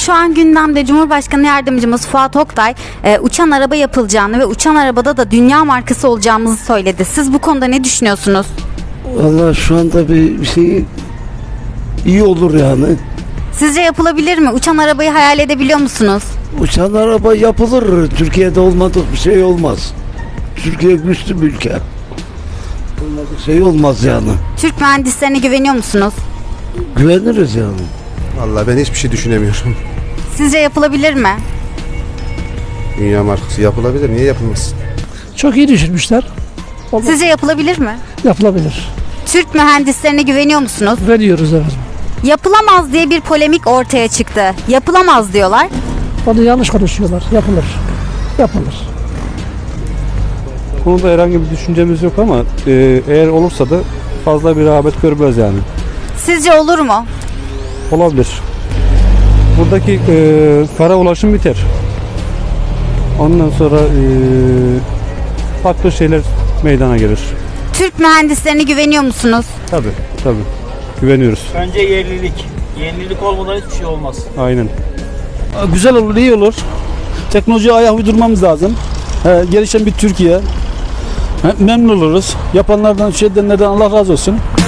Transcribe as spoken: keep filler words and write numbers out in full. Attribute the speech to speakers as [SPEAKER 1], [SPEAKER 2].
[SPEAKER 1] Şu an gündemde Cumhurbaşkanı Yardımcımız Fuat Oktay e, uçan araba yapılacağını ve uçan arabada da dünya markası olacağımızı söyledi. Siz bu konuda ne düşünüyorsunuz?
[SPEAKER 2] Vallahi şu anda bir şey iyi olur yani.
[SPEAKER 1] Sizce yapılabilir mi? Uçan arabayı hayal edebiliyor musunuz?
[SPEAKER 2] Uçan araba yapılır. Türkiye'de olmadık bir şey olmaz. Türkiye güçlü bir ülke. Olmadık şey olmaz yani.
[SPEAKER 1] Türk mühendislerine güveniyor musunuz?
[SPEAKER 2] Güveniriz yani.
[SPEAKER 3] Vallahi ben hiçbir şey düşünemiyorum.
[SPEAKER 1] Sizce yapılabilir mi?
[SPEAKER 3] Dünya markası yapılabilir. Niye yapılmasın?
[SPEAKER 4] Çok iyi düşünmüşler. Olmaz.
[SPEAKER 1] Sizce yapılabilir mi?
[SPEAKER 4] Yapılabilir.
[SPEAKER 1] Türk mühendislerine güveniyor musunuz?
[SPEAKER 4] Veriyoruz evet.
[SPEAKER 1] Yapılamaz diye bir polemik ortaya çıktı. Yapılamaz diyorlar.
[SPEAKER 4] Onu yanlış konuşuyorlar. Yapılır. Yapılır.
[SPEAKER 5] Konuda herhangi bir düşüncemiz yok ama e, eğer olursa da fazla bir rağbet görmez yani.
[SPEAKER 1] Sizce olur mu?
[SPEAKER 5] Olabilir. Buradaki e, kara ulaşım biter. Ondan sonra e, farklı şeyler meydana gelir.
[SPEAKER 1] Türk mühendislerine güveniyor musunuz?
[SPEAKER 5] Tabii, tabii. Güveniyoruz.
[SPEAKER 6] Bence yerlilik. Yerlilik olmadan hiçbir şey olmaz.
[SPEAKER 5] Aynen.
[SPEAKER 7] Güzel olur, iyi olur. Teknolojiye ayak uydurmamız lazım. He, gelişen bir Türkiye. He, memnun oluruz. Yapanlardan, şey edenlerden Allah razı olsun.